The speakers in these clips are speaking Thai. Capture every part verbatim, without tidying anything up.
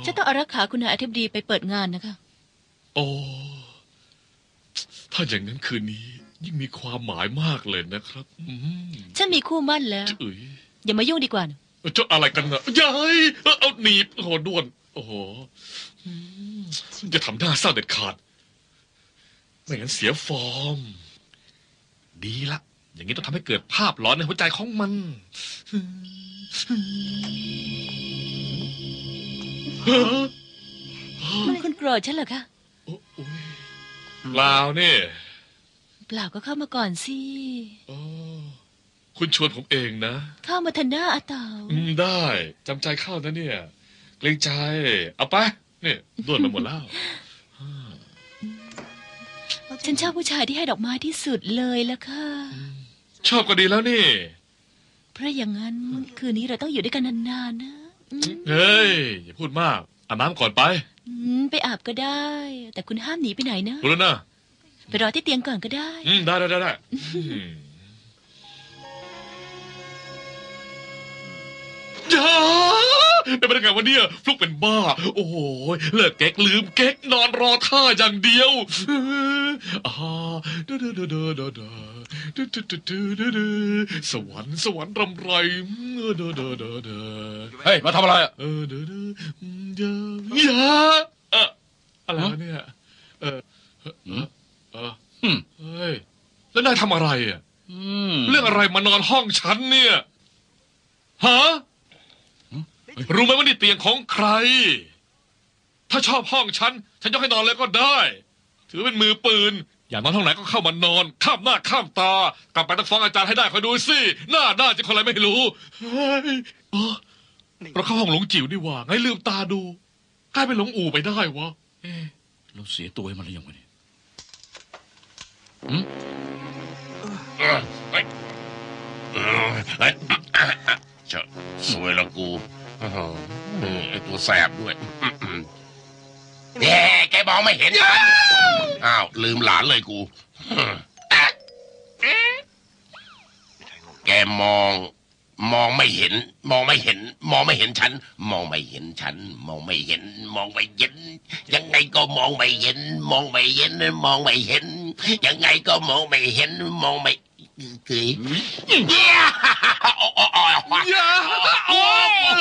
ฉันต้องอารักขาคุณนายอธิบดีไปเปิดงานนะคะโอ้ถ้าอย่างนั้นคืนนี้ยิ่งมีความหมายมากเลยนะครับฉันมีคู่มั่นแล้วอย่ามายุ่งดีกว่าเจ้าอะไรกันนะยายเอาหนีบโอ้โหด้วนโอ้โหจะทำหน้าเศร้าเด็ดขาดไม่งั้นเสียฟอร์มดีละอย่างนี้ต้องทำให้เกิดภาพหลอนในหัวใจของมันคุณโกรธฉันเหรอคะเปล่าเนี่ยเปล่าก็เข้ามาก่อนสิคุณชวนผมเองนะเข้ามาทันหน้าอาเต๋าได้จำใจเข้านะเนี่ยเกรงใจเอาไปเนี่ยด้วนมาหมดแล้วฉันชอบผู้ชายที่ให้ดอกไม้ที่สุดเลยละค่ะชอบก็ดีแล้วนี่เพราะอย่างนั้นคืนนี้เราต้องอยู่ด้วยกันนานๆนะเฮ้ยอย่าพูดมากอาบน้ำก่อนไปไปอาบก็ได้แต่คุณห้ามหนีไปไหนนะรู้แล้วนะไปรอที่เตียงก่อนก็ได้ได้ได้ได้ได้จ้าเป็นไปได้ไงวันนี้ฟลุกเป็นบ้าโอ้โหเลิกเก๊กลืมเก๊กนอนรอท่าอย่างเดียวอ่าเด้อเด้อเด้อเด้อเด้อเด้อเด้อเด้อเด้อเด้อสวรรค์สวรรค์รำไรเด้อเด้อเด้อเด้อเฮ้ยมาทำอะไรอ่ะเออเด้อเด้อเด้อยาเอออะไรเนี่ยเออเออเออเฮ้ยแล้วนายทำอะไรอ่ะเรื่องอะไรมานอนห้องฉันเนี่ยฮะรู้ไหมว่านี่เตียงของใครถ้าชอบห้องฉันฉันยกให้นอนเลยก็ได้ถือเป็นมือปืนอยากนอนห้องไหนก็เข้ามานอนข้ามหน้าข้ามตากลับไปต้องฟ้องอาจารย์ให้ได้คอยดูสิหน้าด้านจะคนอะไรไม่รู้เฮ้ยเราเข้าห้องหลงจิ๋วดีว่าไงลืมตาดูกลายเป็นหลงอู่ไปได้วะเอ๊ะเราเสียตัวให้มันหรือยังวะเนี่ยจะสวยละกูไอตัวแสบด้วยแหมแกมองไม่เห็นฉันอ้าวลืมหลานเลยกูแกมองมองไม่เห็นมองไม่เห็นมองไม่เห็นฉันมองไม่เห็นฉันมองไม่เห็นมองไม่เห็นยังไงก็มองไม่เห็นมองไม่เห็นมองไม่เห็นยังไงก็มองไม่เห็นมองไม่คือเย้โอ้โอ้โอ้โอ้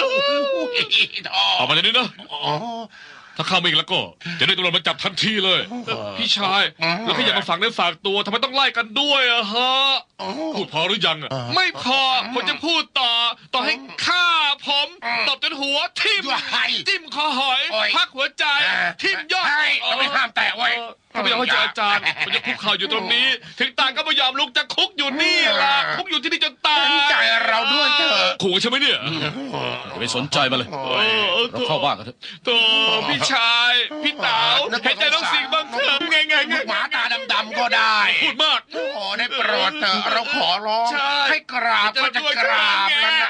ออกมาจากนี้นะถ้าเข้ามาอีกแล้วก็จะได้ตำรวจมาจับทันทีเลยพี่ชายแล้วก็อย่ามาฝากเนื้อฝากตัวทำไมต้องไล่กันด้วยอะฮะพูดพอหรือยังอะไม่พอผมจะพูดต่อต่อให้ฆ่าผมตบจนหัวทิ่มจิ้มคอหอยพักหัวใจทิ่มยอดไม่ห้ามแตะไว้ถ้าไม่ยอมให้เจออาจารย์ผมจะคุกเข่าอยู่ตรงนี้ถึงตายก็ไม่ยอมลุกจะคุกอยู่นี่ล่ะคุกอยู่ที่นี่จนตายใจเราด้วยเถอะขู่ใช่ไหมเนี่ยอย่าไปสนใจมาเลยเราเข้าบ้านกันเถอะโตพี่ชายพี่เต๋าเห็นใจน้องสิงห์บ้างเถอะไงไงไงหมาตาดำๆก็ได้พูดมากโอ้ได้โปรดเถอะเราขอร้องให้กราบก็จะกราบแล้วนะ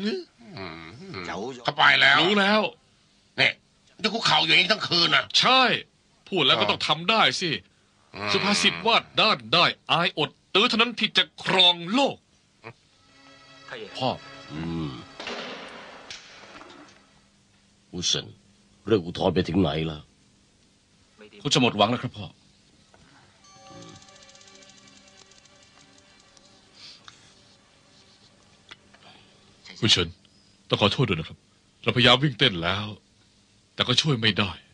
เขาไปแล้วรู้แล้วเนี่ยจะคุกเข่าอยู่อย่างนี้ทั้งคืนน่ะใช่พูดแล้วก็ต้องทำได้สิสุภาษิตว่าด้านได้อายอดตื้อเท่านั้นที่จะครองโลกพ่ออุเซนเรื่องอุทธรณ์ไปถึงไหนแล้วคุณจะหมดหวังแล้วครับพ่อคุณเฉินต้องขอโทษด้วยนะครับเราพยายามวิ่งเต้นแล้วแต่ก็ช่วยไม่ได้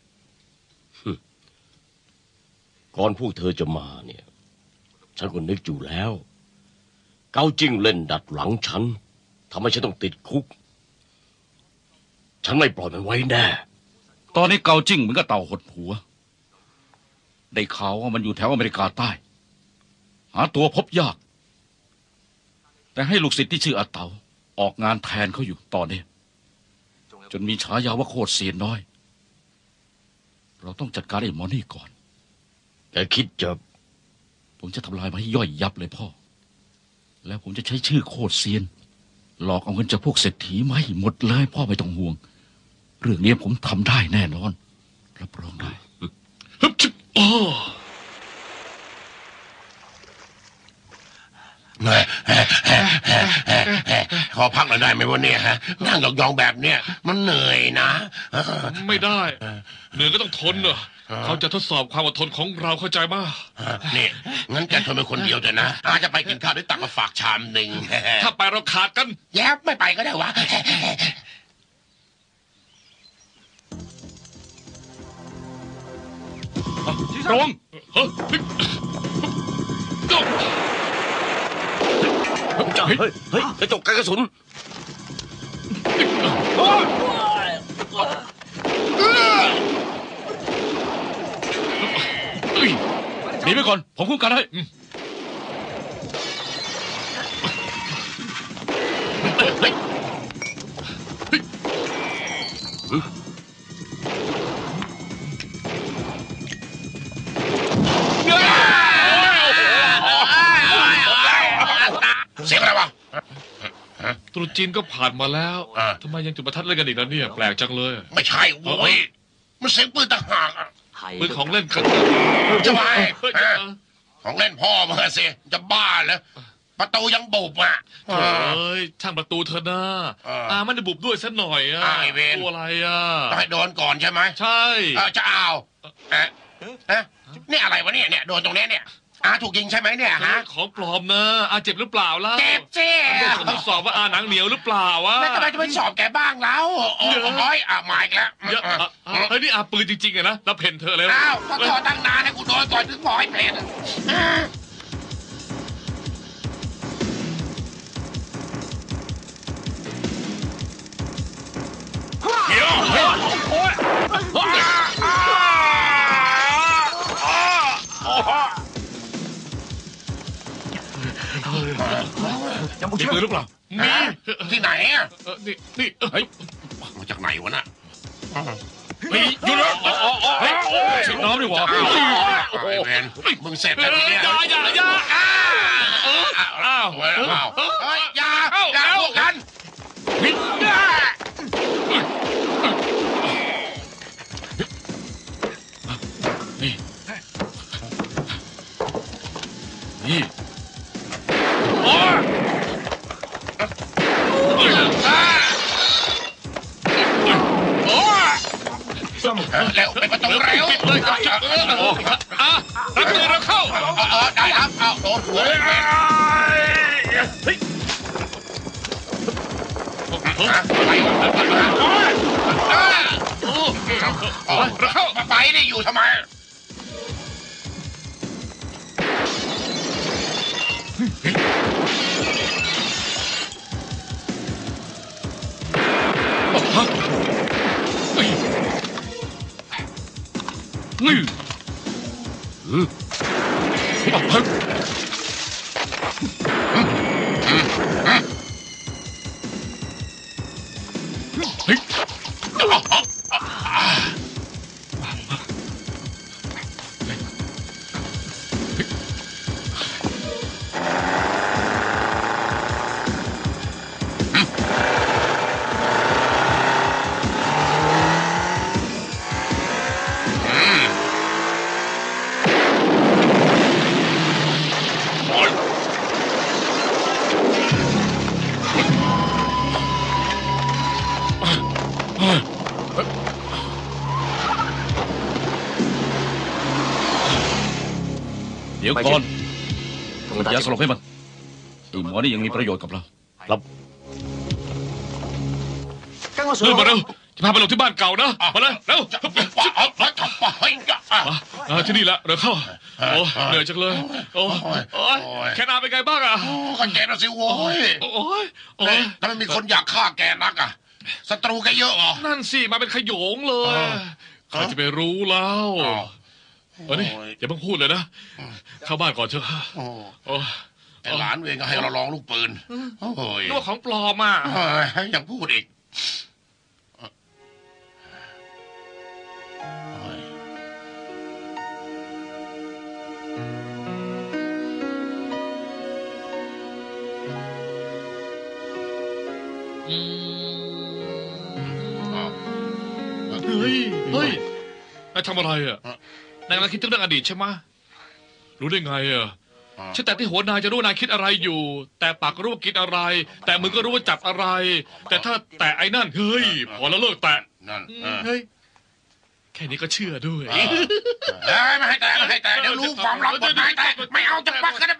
ก่อนพวกเธอจะมาเนี่ยฉันก็นึกอยู่แล้วเกาจิ้งเล่นดัดหลังฉันทำให้ฉันต้องติดคุกฉันไม่ปล่อยมันไว้แน่ตอนนี้เกาจิ้งเหมือนกับเต่าหดหัวได้ข่าวว่ามันอยู่แถวอเมริกาใต้หาตัวพบยากแต่ให้ลูกศิษย์ที่ชื่ออาเต๋าออกงานแทนเขาอยู่ตอนนี้จนมีฉายาว่าโคตรเสียนน้อยเราต้องจัดการไอ้หมอนี่ก่อนแกคิดจะผมจะทำลายมันให้ย่อยยับเลยพ่อแล้วผมจะใช้ชื่อโคตรเซียนหลอกเอาเงินจากพวกเศรษฐีมาให้หมดเลยพ่อไม่ต้องห่วงเรื่องนี้ผมทำได้แน่นอนรับรองได้ขอพักหน่อยได้ไหมวันนี้ฮะนั่งยองๆแบบเนี้ยมันเหนื่อยนะไม่ได้เหนื่อยก็ต้องทนเนอะเขาจะทดสอบความอดทนของเราเข้าใจมากนี่งั้นแกทนเป็นคนเดียวเถอะนะอาจจะไปกินข้าวด้วยตักมาฝากชามหนึ่งถ้าไปเราขาดกันแย้ไม่ไปก็ได้วะระวังเฮ้ยเฮ้ยเฮ้ยกระจกกันกระสุนหนีไปก่อน ผมคุ้มกันให้เสียงอะไรวะตรุษจีนก็ผ่านมาแล้วอ่าทำไมยังจุดประทัดเล่นกันอีกแล้วเนี่ยแปลกจังเลยไม่ใช่โว้ยมันเสียงปืนต่างหากอะปืนของเล่นกันจะไปเฮ้ยฮะของเล่นพ่อมึงอะสิจะบ้าเหรอประตูยังบุบอ่ะโอ้ยช่างประตูเธอหน้าเอออ่ามันจะบุบด้วยสักหน่อยอ่ะอ้าวไอ้เวรตัวอะไรอ่ะต้องให้โดนก่อนใช่ไหมใช่เออจะเอาเอ๊ะเอ๊ะนี่อะไรวะเนี่ยเนี่ยโดนตรงเนี้ยเนี่ยอาถูกยิงใช่ไหมเนี่ยฮะของปลอมนะอาเจ็บหรือเปล่าล่ะเจ็บสิทดสอบว่าอาหนังเหนียวหรือเปล่าวะแล้วทำไมจะไม่สอบแกบ้างแล้วโอ้ยอ่ะมาอีกแล้วเยอะอ่ะอ่ะเฮ้ยนี่อาปืนจริงๆอะนะแล้วเพ่นเธอเลยอ้าวก็ถอดตั้งนานให้กูโดนก่อนถึงบอกให้เพลนมีปืนหรือเปล่ามีที่ไหนอ่ะเออนี่นี่เฮ้ยมาจากไหนวะน่ะมีอยู่แล้วเฮ้ยฉีดน้ำดีกว่าอ้าวไอ้เวนมึงเสร็จแล้วทีเนี้ยอย่าอย่าอย่าอ้าวอ้าวเฮ้ยอ้าวเฮ้ยอย่าอย่าพวกกันนี่ นี่เร็วไปประตูเร็วปิดเลยจับเลยอ่ะรับมือเราเข้าเออได้ครับเอาโดนหัวเลยเวนอะไรวะเราเข้าไปนี่อยู่ทำไมนี่เฮ้ย เดี๋ยวก่อนอย่าสลบให้มันไอ้หมอนี่ยังมีประโยชน์กับเราครับเร็วมาเร็วจะพาไปลงที่บ้านเก่านะมาเลยเร็วจะไปปะเอาไปทำไปอ่ะอ่าที่นี่แหละเดี๋ยวเข้าโอ้เหนื่อยจังเลยโอ้โอ้ยแค่นาเป็นไงบ้างอ่ะโอ้กันแกนะสิโว้ยโอ้ยโอ้ยทำไมมีคนอยากฆ่าแกนักอ่ะศัตรูแกเยอะเหรอนั่นสิมาเป็นขโยงเลยใครจะไปรู้แล้วอ้าวเออนี่อย่าเพิ่งพูดเลยนะเข้าบ้านก่อนเถอะโอ้โอ้ไอ้หลานเวงก็ให้เราลองลูกปืนโอ้ยนึกว่าของปลอมอ่ะเฮ้ยยังพูดอีกโอ้ยอืมอ้าวเฮ้ยเฮ้ยนายทำอะไรอ่ะนายกำลังคิดถึงเรื่องอดีตใช่ไหมรู้ได้ไงอ่ะฉันแต่ที่หัวนายจะรู้นายคิดอะไรอยู่ แต่ปากก็รู้ว่ากินอะไร แต่มือก็รู้ว่าจับอะไร แต่ถ้าแต่ไอ้นั่นเฮ้ยพอแล้วเลิกแตะนั่นเออเฮ้ยแค่นี้ก็เชื่อด้วยเอ้ยไม่ให้แตะไม่ให้แตะเดี๋ยวรู้ความลับบทนายแตะไม่เอาจะปักกัน